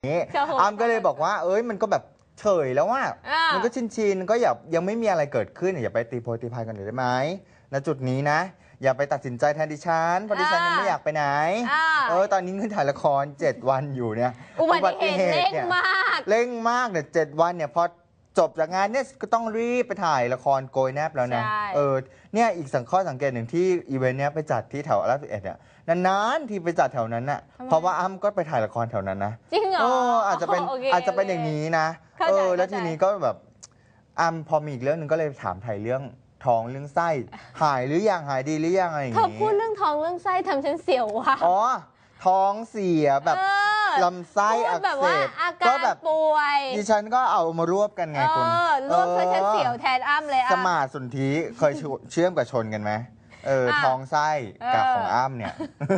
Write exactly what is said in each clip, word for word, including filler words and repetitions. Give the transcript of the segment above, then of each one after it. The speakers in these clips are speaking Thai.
อ้ำก็เลยบอกว่าเอ้ยมันก็แบบเฉยแล้วว่ามันก็ชินชินก็อย่ายังไม่มีอะไรเกิดขึ้นอย่าไปตีโพยตีพายกันเลยได้ไหมณจุดนี้นะอย่าไปตัดสินใจแทนดิฉันเพราะดิฉันยังไม่อยากไปไหนเออตอนนี้เงินถ่ายละครเจ็ดวันอยู่เนี่ยอุบัติเหตุเร่งมากเร่งมากเนี่ยเจ็ดวันเนี่ยพอจบจากงานเนี่ยก็ต้องรีบไปถ่ายละครโกยแนบแล้วนะเออเนี่ยอีกสังข้อสังเกตหนึ่งที่อีเวนต์เนี้ยไปจัดที่แถวอาร์สิบเอ็ดเนี่ยนานๆที่ไปจัดแถวนั้นน่ะเพราะว่าอ้ำก็ไปถ่ายละครแถวนั้นนะจริงเหรออาจจะเป็นอาจจะเป็นอย่างนี้นะเออแล้วทีนี้ก็แบบอ้ำพอมีอีกเรื่องหนึ่งก็เลยถามไถ่เรื่องท้องเรื่องไส้หายหรือยังหายดีหรือยังอะไรอย่างนี้เธอพูดเรื่องท้องเรื่องไส้ทำฉันเสียวว่ะอ๋อท้องเสียแบบลำไส้อักเสบก็แบบป่วยดิฉันก็เอามารวบกันไงคุณรวบเพื่อฉันเสียวแทนอ้ำเลยสมาสนธิเคยเชื่อมกับชนกันไหมเออท้องไส้กับของอ้ำเนี่ย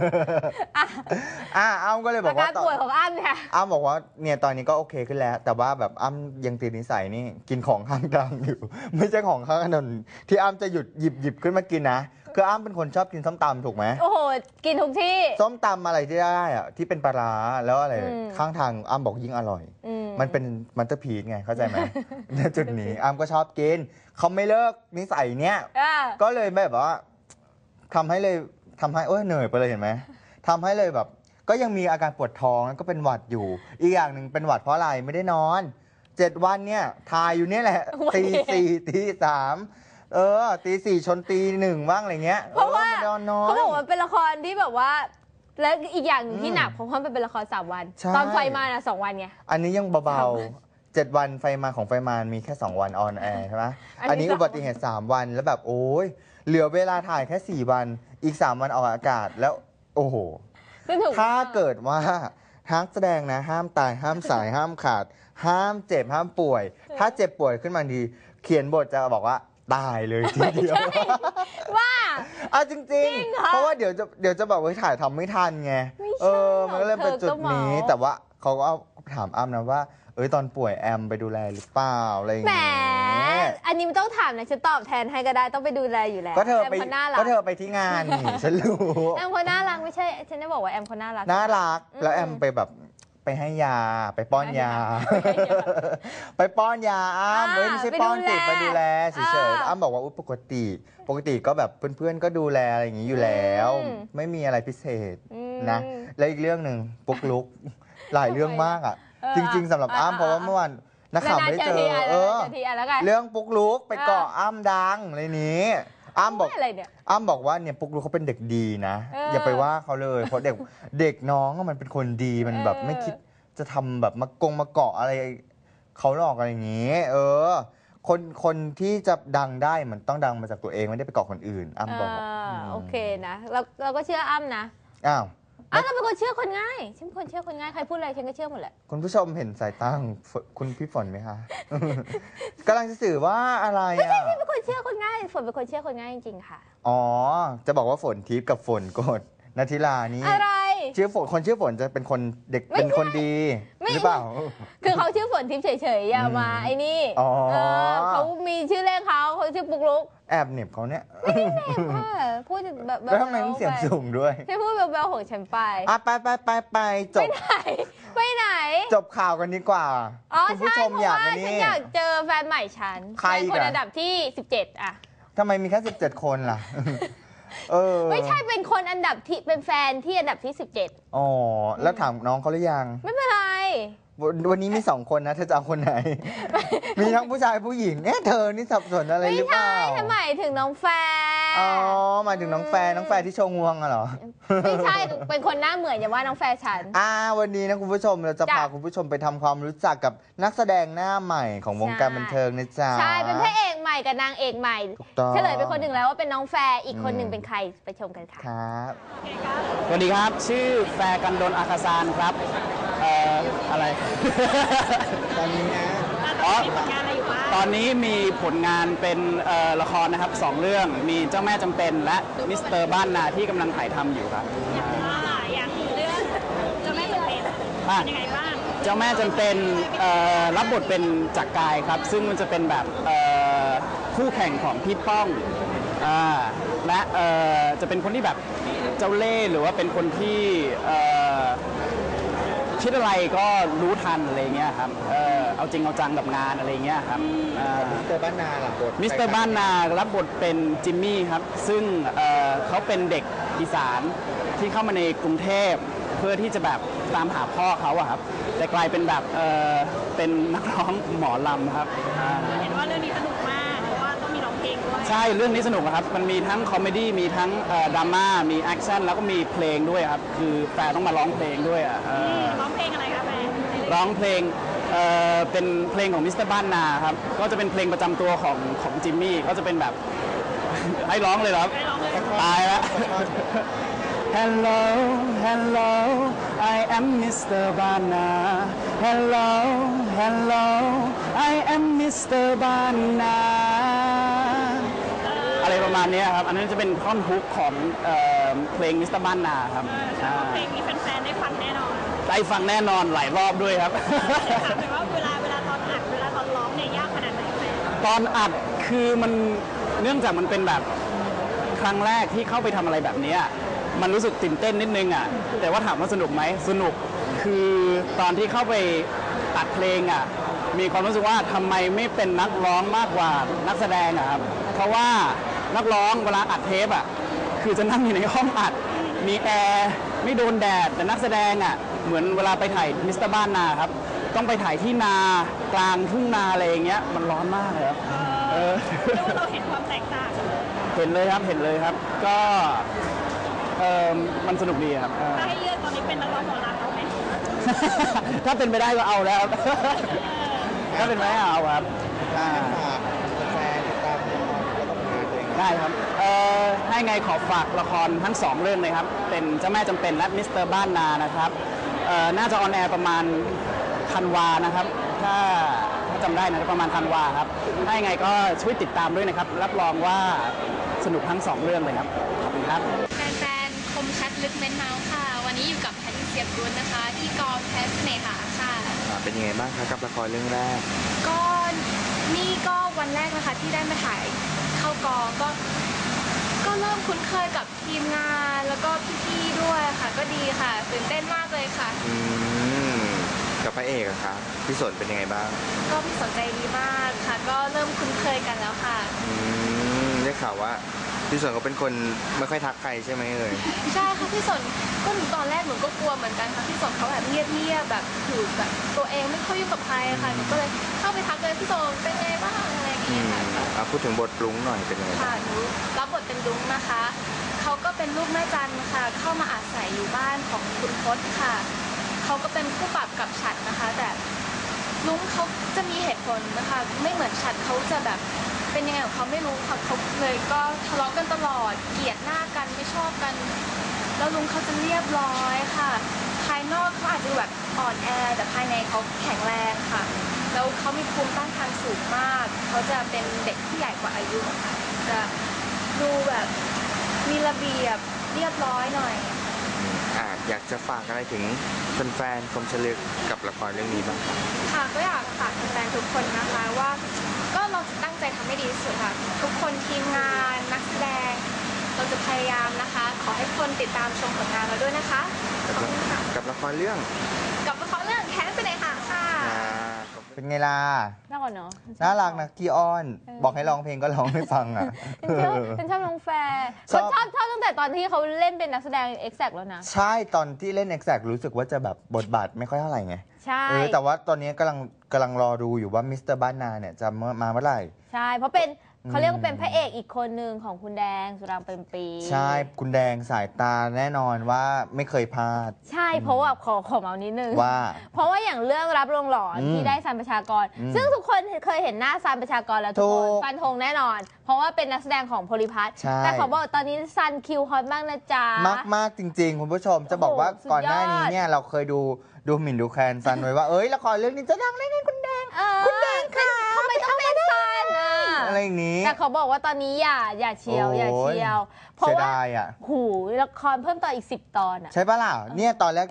อ่ะอ้ำก็เลยบอกว่าป่วยของอ้ำเนี่ยอ้ำบอกว่าเนี่ยตอนนี้ก็โอเคขึ้นแล้วแต่ว่าแบบอ้ำยังติดนิสัยนี่กินของข้างทางอยู่ไม่ใช่ของข้างถนนที่อ้ำจะหยุดหยิบหยิบขึ้นมากินนะคืออ้ำเป็นคนชอบกินส้มตำถูกไหมโอ้โหกินทุกที่ส้มตำอะไรที่ได้อะที่เป็นปลาร้าแล้วอะไรข้างทางอ้ำบอกยิ่งอร่อยมันเป็นมันเตอร์พีซไงเข้าใจไหมในจุดนี้อ้ำก็ชอบกินเขาไม่เลิกนิสัยเนี้ยก็เลยแบบว่าทำให้เลยทำให้เอ้ยเหนื่อยไปเลยเห็นไหมทำให้เลยแบบก็ยังมีอาการปวดท้องก็เป็นหวัดอยู่อีกอย่างหนึ่งเป็นหวัดเพราะอะไรไม่ได้นอนเจ็ดวันเนี่ยทายอยู่เนี่ยแหละตีสี่ตีสามเออตีสี่ชนตีหนึ่งบ้างอะไรเงี้ยเพราะว่าเขาบอกว่าเป็นละครที่แบบว่าแล้วอีกอย่างที่หนักเพราะว่ามันเป็นละครสามวันตอนไฟมาน่ะสองวันไงอันนี้ยังเบาๆเจ็ดวันไฟมาของไฟมามีแค่สองวันออนแอร์ใช่ไหมอันนี้อุบัติเหตุสามวันแล้วแบบโอ้ยเหลือเวลาถ่ายแค่สี่วันอีกสามวันออกอากาศแล้วโอ้โหถ้าเกิดว่านักแสดงนะห้ามตายห้ามสายห้ามขาดห้ามเจ็บห้ามป่วยถ้าเจ็บป่วยขึ้นมาดีเขียนบทจะบอกว่าตายเลยทีเดียวว่าอ่ะจริงๆเพราะว่าเดี๋ยวจะเดี๋ยวจะบอกว่าถ่ายทำไม่ทันไงเออมันก็เลยเป็นจุดนี้แต่ว่าเขาก็ถามอ้ำนะว่าเอ้ยตอนป่วยแอมไปดูแลหรือเปล่าอะไรอย่างเงี้ยอันนี้ไม่ต้องถามนะฉันตอบแทนให้ก็ได้ต้องไปดูแลอยู่แล้วก็เธอไปก็เธอไปที่งานนี่ฉันรู้แอมคนน่ารักไม่ใช่ฉันจะบอกว่าแอมคนน่ารักน่ารักแล้วแอมไปแบบไปให้ยาไปป้อนยาไปป้อนยาอ้ำไม่ใช่ป้อนติดไปดูแลเฉยๆอ้ำบอกว่าปกติปกติก็แบบเพื่อนๆก็ดูแลอะไรอย่างนี้อยู่แล้วไม่มีอะไรพิเศษนะและอีกเรื่องหนึ่งปุ๊กลุกหลายเรื่องมากอ่ะจริงๆสำหรับอ้ำเพราะว่าเมื่อวานนักข่าวไม่เจอเออเรื่องปุ๊กลุกไปเกาะอ้ำดังอะไรนี้อ้ำบอกอ้ำบอกว่าเนี่ยปุ๊กลุกเขาเป็นเด็กดีนะอย่าไปว่าเขาเลยเพราะเด็กเด็กน้องมันเป็นคนดีมันแบบไม่คิดจะทำแบบมากงมาเกาะอะไรเขาหลอกอะไรอย่างนี้เออคนคนที่จะดังได้มันต้องดังมาจากตัวเองไม่ได้ไปเกาะคนอื่นอ้ำบอกโอเคนะเราเราก็เชื่ออ้ำนะอ้าวอ้าวเราเป็นคนเชื่อคนง่ายฉันเป็นคนเชื่อคนง่ายใครพูดอะไรฉันก็เชื่อหมดแหละคุณผู้ชมเห็นสายตาของคุณพี่ฝนไหมคะกำลังจะสื่อว่าอะไรอ่ะไม่ใช่พี่เป็นคนเชื่อคนง่ายฝนเป็นคนเชื่อคนง่ายจริงๆค่ะอ๋อจะบอกว่าฝนทิพย์กับฝนโกดนัทธิลานี่อะไรชื่อฝนคนชื่อฝนจะเป็นคนเด็กเป็นคนดีหรือเปล่าคือเขาชื่อฝนทิพย์เฉยๆอย่ามาไอ้นี่เขามีชื่อเล่นเขาเขาชื่อปุ๊กลุกแอบเหน็บเขาเนี่ยไม่ได้เหน็บค่ะพูดแบบแล้วทำไมต้องเสียงสูงด้วยให้พูดเบาๆของฉันไปอ่ะไปไปไปไปจบไปไหนไปไหนจบข่าวกันดีกว่าคุณผู้ชมอยากนี่ฉันอยากเจอแฟนใหม่ฉันใครคนอันดับที่สิบเจ็ดอ่ะทำไมมีแค่สิบเจ็ดคนล่ะไม่ใช่เป็นคนอันดับที่เป็นแฟนที่อันดับที่สิบเจ็ดอ๋อแล้วถามน้องเขาหรือยังไม่เป็นไรวันนี้มีสองคนนะเธอจะเอาคนไหนมีทั้งผู้ชายผู้หญิงเอ๊ะเธอนี่สับสนอะไรหรือเปล่าไม่ใช่หมายถึงน้องแฟนอ๋อหมายถึงน้องแฟนน้องแฟนที่โชว์งวงอะเหรอไม่ใช่เป็นคนหน้าเหมือนอย่าว่าน้องแฟนฉันอ่าวันนี้นะคุณผู้ชมเราจะพาคุณผู้ชมไปทำความรู้จักกับนักแสดงหน้าใหม่ของวงการบันเทิงนะจ๊ะใช่เป็นพระเอกใหม่กับนางเอกใหม่เฉลยเป็นคนหนึ่งแล้วว่าเป็นน้องแฟร์อีกคนหนึ่งเป็นใครไปชมกันค่ะครับสวัสดีครับชื่อแฟร์กันดลอาคาซานครับเอ่ออะไรตอนนี้นะอ๋อตอนนี้มีผลงานเป็นละครนะครับสองเรื่องมีเจ้าแม่จำเป็นและมิสเตอร์บ้านนาที่กำลังถ่ายทำอยู่ครับอย่างเรื่องเจ้าแม่จำเป็นยังไงบ้างเจ้าแม่จำเป็นรับบทเป็นจักรกายครับซึ่งมันจะเป็นแบบคู่แข่งของพี่ป้องและจะเป็นคนที่แบบเจ้าเล่ห์หรือว่าเป็นคนที่คิดอะไรก็รู้ทันอะไรเงี้ยครับเออเอาจริงเอาจังกับงานอะไรเงี้ยครับมิสเตอร์บ้านนาล่ะบทมิสเตอร์บ้านนารับบทเป็นจิมมี่ครับซึ่งเอ่อเขาเป็นเด็กอีสานที่เข้ามาในกรุงเทพเพื่อที่จะแบบตามหาพ่อเขาอะครับแต่กลายเป็นแบบเออเป็นนักร้องหมอลำครับอ่าเห็นว่าเรื่องนี้สนุกมากเพราะว่าต้องมีร้องเพลงด้วยใช่เรื่องนี้สนุกอะครับมันมีทั้งคอมเมดี้มีทั้งเอ่อดราม่ามีแอคชั่นแล้วก็มีเพลงด้วยครับคือแฟนต้องมาร้องเพลงด้วยอะเออร้องเพลงอะไรคะแม่ร้องเพลงเอ่อเป็นเพลงของมิสเตอร์บ้านนาครับก็จะเป็นเพลงประจำตัวของของจิมมี่ก็จะเป็นแบบ ให้ร้องเลยเหรอครับตายแล้ว Hello Hello I am มิสเตอร์ Bana Hello Hello I am มิสเตอร์ Bana อะไรประมาณนี้ครับอันนั้นจะเป็นท่อนฮุกของเอ่อเพลงมิสเตอร์ Bana ครับเพลงนี้แฟนๆได้ฟังแน่นอนได้ฟังแน่นอนหลายรอบด้วยครับถามหน่อยว่าเวลาเวลาตอนอัดเวลาตอนร้องเนี่ยยากขนาดไหนแม่ตอนอัดคือมันเนื่องจากมันเป็นแบบครั้งแรกที่เข้าไปทำอะไรแบบนี้มันรู้สึกตื่นเต้นนิดนึงอ่ะแต่ว่าถามว่าสนุกไหมสนุกคือตอนที่เข้าไปอัดเพลงอ่ะมีความรู้สึกว่าทำไมไม่เป็นนักร้องมากกว่านักแสดงอ่ะครับเพราะว่านักร้องเวลาอัดเทปอ่ะคือจะนั่งอยู่ในห้องอัดมีแอร์ไม่โดนแดดแต่นักแสดงอ่ะเหมือนเวลาไปถ่ายมิสเตอร์บ้านนาครับต้องไปถ่ายที่นากลางทุ่งนาอะไรอย่างเงี้ยมันร้อนมากเลยครับเออเรียกว่าเราเห็นความแตกต่างเห็นเลยครับเห็นเลยครับก็เออมันสนุกดีครับเออถ้าให้เลือกตอนนี้เป็นนักร้องหมอลำเอาไหมถ้าเป็นไปได้ก็เอาแล้วครับถ้าเป็นไปได้เอาครับอ่าฝากแฟนติดตามละครแล้วก็ผลงานตัวเองได้ครับเอ่อให้ไงขอฝากละครทั้งสองเรื่องเลยครับเป็นเจ้าแม่จำเป็นและมิสเตอร์บ้านนานะครับเอ่อน่าจะออนแอร์ประมาณธันวานะครับถ้าถ้าจำได้นะประมาณธันวาครับให้ไงก็ช่วยติดตามด้วยนะครับรับรองว่าสนุกทั้งสองเรื่องเลยครับขอบคุณครับแฟนๆ คมชัดลึกเม้นเมาส์ค่ะ วันนี้อยู่กับแพทริเซียกุลนะคะ ที่กองแพทเนหาค่ะอ่าเป็นยังไงบ้างคะกับละครเรื่องแรกก็นี่ก็วันแรกนะคะที่ได้มาถ่ายเข้ากองก็ ก็เริ่มคุ้นเคยกับทีมงานแล้วก็พี่ๆ ด้วยค่ะ ก็ดีค่ะตื่นเต้นมากเลยค่ะอืมกับพระเอกอะคะพี่สนเป็นยังไงบ้างก็พี่สนใจดีมากค่ะ ก็เริ่มคุ้นเคยกันแล้วค่ะอืมได้ข่าวว่าพี่สนเขาเป็นคนไม่ค่อยทักใครใช่ไหมเอ่ยใช่ค่ะพี่สนก็หนูตอนแรกหนูก็กลัวเหมือนกันค่ะพี่สนเขาแบบเงียบๆแบบอยู่แบบตัวเองไม่ค่อยยุ่งกับใครค่ะหนูก็เลยเข้าไปทักเลยพี่สนเป็นไงบ้างอะไรอย่างอืเงี้ยมค่ะอ่ะพูดถึงบทปรุงหน่อยเป็นยังไงบ้างค่ะหนูรับบทเป็นลุงนะคะเขาก็เป็นลูกแม่จันค่ะ เข้ามาอาศัยอยู่บ้านของคุณพศค่ะเขาก็เป็นคู่ปรับกับฉัดนะคะ แต่ลุงเขาจะมีเหตุผลนะคะ ไม่เหมือนฉัดเขาจะแบบเป็นยังไงของเขาไม่รู้ค่ะเขาเลยก็ทะเลาะกันตลอดเกลียดหน้ากันไม่ชอบกัน แล้วลุงเขาจะเรียบร้อยค่ะ ภายนอกเขาอาจจะแบบอ่อนแอแต่ภายในเขาแข็งแรงค่ะ แล้วเขามีภูมิต้านทานสูงมาก เขาจะเป็นเด็กที่ใหญ่กว่าอายุค่ะ จะดูแบบมีระเบียบเรียบร้อยหน่อยอ่ะอยากจะฝากอะไรถึงแฟนๆคมชลึกกับละครเรื่องนี้บ้างครับค่ะก็อยากฝากแฟนๆทุกคนนะคะว่าก็เราจะตั้งใจทำให้ดีที่สุดค่ะ ทุกคนทีมงานนักแสดง เราจะพยายามนะคะ ขอให้คนติดตามชมผลงานเราด้วยนะคะขอบคุณค่ะกับละครเรื่องกับละครเรื่องแค้นไปเลยค่ะค่ะอ่าเป็นไงล่ะน่าก่อนเนาะน่ารักนะกี้อ้อน บอกให้ร้องเพลงก็ร้องให้ฟังอ่ะเป็นชอบเป็นชอบน้องแฟร์ชชออบ บชอบชอบตั้งแต่ตอนที่เขาเล่นเป็นนักแสดง Exact แล้วนะใช่ตอนที่เล่น Exact รู้สึกว่าจะแบบบทบาทไม่ค่อยเท่าไหร่ไงใช่เออแต่ว่าตอนนี้กำลังกำลังรอดูอยู่ว่ามิสเตอร์บ้านนาเนี่ยจะมามาเมื่อไหร่ใช่ เพราะเป็นอืมเขาเรียกว่าเป็นพระเอกอีกคนหนึ่งของคุณแดงสุรางค์เป็นปีใช่คุณแดงสายตาแน่นอนว่าไม่เคยพลาดใช่เพราะว่าขอขอเมานิดนึงว่าเพราะว่าอย่างเรื่องรับลงหลอนอืมที่ได้ซันประชากรอืมซึ่งทุกคนเคยเห็นหน้าซันประชากรแล้วทุกคนถูกฟันธงแน่นอน เพราะว่าเป็นนักแสดงของโพลิพัทใช่แต่เขาบอกตอนนี้ซันคิวฮอตมากนะจ๊ะมากมากจริง ๆ คุณผู้ชมจะบอกว่าโอ้โหก่อนหน้านี้สุดยอดเนี่ยเราเคยดูดูหมิ่นดูแคลนซันไว้ว่าเอ้ยละครเรื่องนี้จะดังแน่ๆคุณแดงเออคุณแดงค่ะทำไมต้องเป็นซันอ่ะอะไรอย่างนี้แต่เขาบอกว่าตอนนี้อย่าอย่าเชียวโอ้ยอย่าเชียว เพราะเสียว่าดายอ่ะหูละครเพิ่มต่ออีกสิบตอนอ่ะใช่ปะล่ะเนี่ยตอนแรก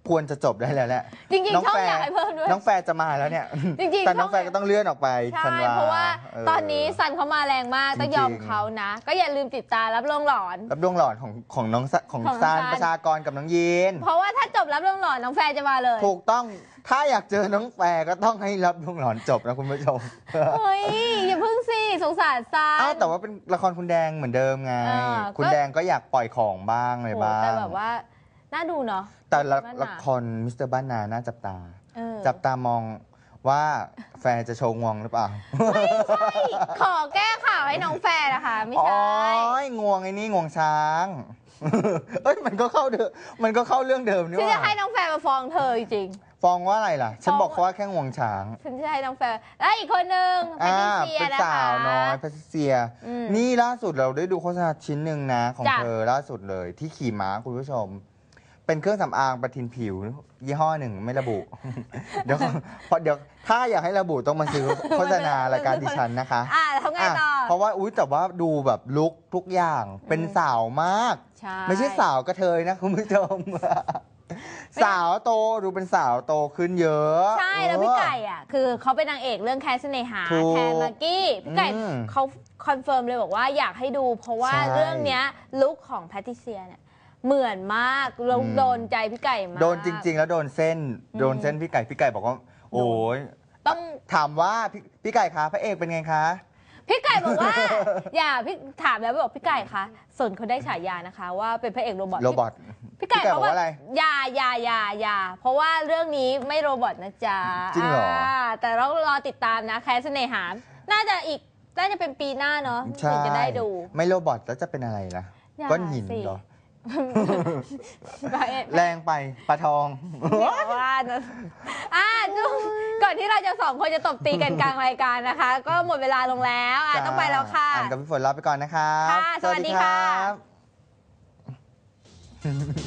ควรจะจบได้แล้วแหละจริงๆช่องอยากให้เพิ่มด้วยน้องแฟร์จะมาแล้วเนี่ยจริงๆแต่น้องช่องแฟร์ก็ต้องเลื่อนออกไปใช่ธันวเพราะว่าเตอนนี้ซันเขามาแรงมากต้องยอมจริงๆเขานะ ก็อย่าลืมติดตามรับรองหลอนรับดวงหลอนของของน้องซะของของซานซานประชากรกับน้องยีนเพราะว่าถ้าจบรับรองหลอนน้องแฟนจะมาเลยถูกต้องถ้าอยากเจอน้องแฟร์ก็ต้องให้รับดวงหลอนจบนะคุณผู้ชมเฮ้ยอย่าพึ่งสิสงสารซันอ้าวแต่ว่าเป็นละครคุณแดงเหมือนเดิมไงเออคุณก็แดงก็อยากปล่อยของบ้างอะไรโหบ้างแต่แบบว่าน่าดูเนาะแต่ละบ้านนาละครมิสเตอร์บ้านนาน่าจับตาเออจับตามองว่าแฟร์จะโชว์งวงหรือเปล่าขอแก้ข่าวให้น้องแฟนนะคะไม่อ๋อใช่งวงไอ้นี่งวงช้าง เอ้ยมันก็เข้าเดิมมันก็เข้าเรื่องเดิมนี่ฉันจะว่าให้น้องแฟนมาฟ้องเธอจริงฟ้องว่าอะไรล่ะ ฉันฟ้องบอกเขาว่าแค่งวงช้างๆฉันจะให้น้องแฟนและอีกคนนึงแพอ่าทริเซียเป็นนะคะสาวน้อยแพทริเซียอืมนี่ล่าสุดเราได้ดูโฆษณาชิ้นหนึ่งนะของจ้ะเธอล่าสุดเลยที่ขี่ม้าคุณผู้ชม เป็นเครื่องสำอางประทินผิว ยี่ห้อหนึ่งไม่ระบุ เดี๋ยวเพราะเดี๋ยวถ้าอยากให้ระบุต้องมาซื้อโฆษณารายการดิฉันนะคะอ่าทำไงต่อเพราะว่าอุ้ยแต่ว่าดูแบบลุคทุกอย่างเป็นสาวมากใช่ไม่ใช่สาวกระเทยนะคุณผู้ชม สาวโตดูเป็นสาวโตขึ้นเยอะใช่แล้วพี่ไก่อ่ะคือเขาเป็นนางเอกเรื่องแคสเนหาถูกแทนมากกี้พี่ไก่อืมเขาคอนเฟิร์มเลยบอกว่าอยากให้ดู เพราะว่าใช่เรื่องเนี้ยลุคของแพทริเซียเนี่ยเหมือนมากเราอืมโดนใจพี่ไก่มากโดนจริง ๆ แล้วโดนเส้น โดนเส้นพี่ไก่พี่ไก่บอกว่า โอ้ยต้องถามว่าพี่พี่ไก่คะพระเอกเป็นไงคะพี่ไก่บอกว่า อย่าพี่ถามแล้วบอกพี่ไก่คะสนเขาได้ฉายานะคะ ว่าเป็นพระเอกโรบอทโรบอทพี่ไก่พี่ไก่บอกบอกว่าว่าอะไรอย่าอย่าอย่าอย่าเพราะว่าเรื่องนี้ไม่โรบอทนะจ๊ะจริงเหรอาแต่เรารอติดตามนะแคสเนหาน่าจะอีกน่าจะเป็นปีหน้าเนาะใช่ถึงจะได้ดูไม่โรบอทแล้วจะเป็นอะไรล่ะอย่าก้อนหินสิเหรอพระเอกแรงไปปลาทองอย่าว่านะอ่ะจุ๊บก่อนที่เราจะสองคนจะตบตีกันกลางรายการนะคะ ก็หมดเวลาลงแล้วอ่ะต้องไปแล้วค่ะอ่านกับพี่ฝนลาไปก่อนนะครับค่ะสวัสดีค่ะรับ